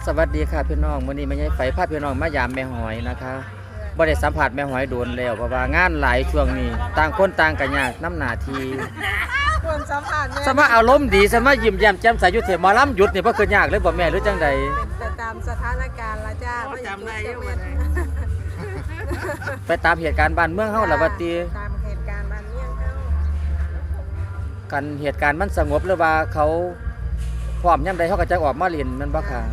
สวัสดีค่ะพี่น้องมื้อนี้แม่ใหญ่ไฝพาพี่น้องมายามแม่หอยนะคะบ่ได้สัมผัสแม่หอยโดนแล้วเพราะว่างานหลายช่วงนี้ต่างคนต่างกันยากน้ำหน้าที่ควรสัมผัสแม่สมาอารมณ์ดีสมายิ้มแย้มแจ่มใสอยู่เถอะหมอลำหยุดนี่บ่คือยากเลยบ่แม่หรือจังใดเป็นไปตามสถานการณ์ละจ้าจำได้ยังไงไปตามเหตุการณ์บ้านเมืองเฮาล่ะว่าติตามเหตุการณ์บ้านเมืองเฮากันเหตุการณ์มันสงบหรือว่าเขาพร้อมยามใดเฮาก็จะออกมาเล่นแม่นบ่ค่ะ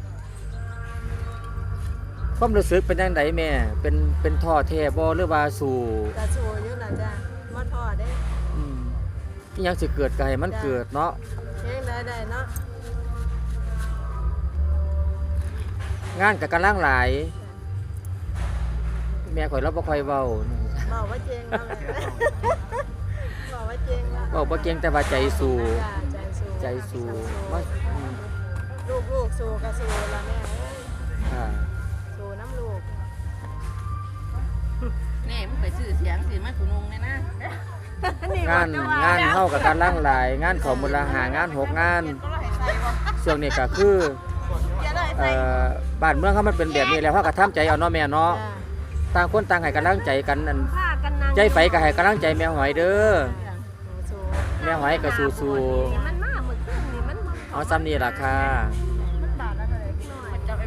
ความรู้สึกเป็นจังไดแม่เป็นท้อแท้บ่หรือว่าสู้กระสู้อยู่ล่ะจ้าบ่ท้อเด้อีหยังสิเกิดก็ให้มันเกิดเนาะยังได้เนาะงานก็กำลังหลายแม่ข่อยเราบ่ค่อยเว้าบอกว่าเจงแล้วบอกว่าเจงแล้วเว้าบ่เก่งแต่ว่าใจสู้ใจสู้ว่าลูกสู้ก็สู้ล่ะแม่เอ้ยสู้น้ำลูกแน่มึงไปซื้อเสียงสิมากุนงเลยนะงานเฮากับการล่างหลายงานของมูลหางาน6งานช่วงนี้ก็คือบ้านเมืองเฮามันเป็นแบบนี้แล้วเฮาก็ทำใจเอาเนาะแม่เนาะต่างคนต่างให้กำลังใจกันนั่นใจไฟก็ให้กำลังใจแม่หอยเด้อแม่หอยก็สู้ๆเอาซ้ำนี่ล่ะค่ะ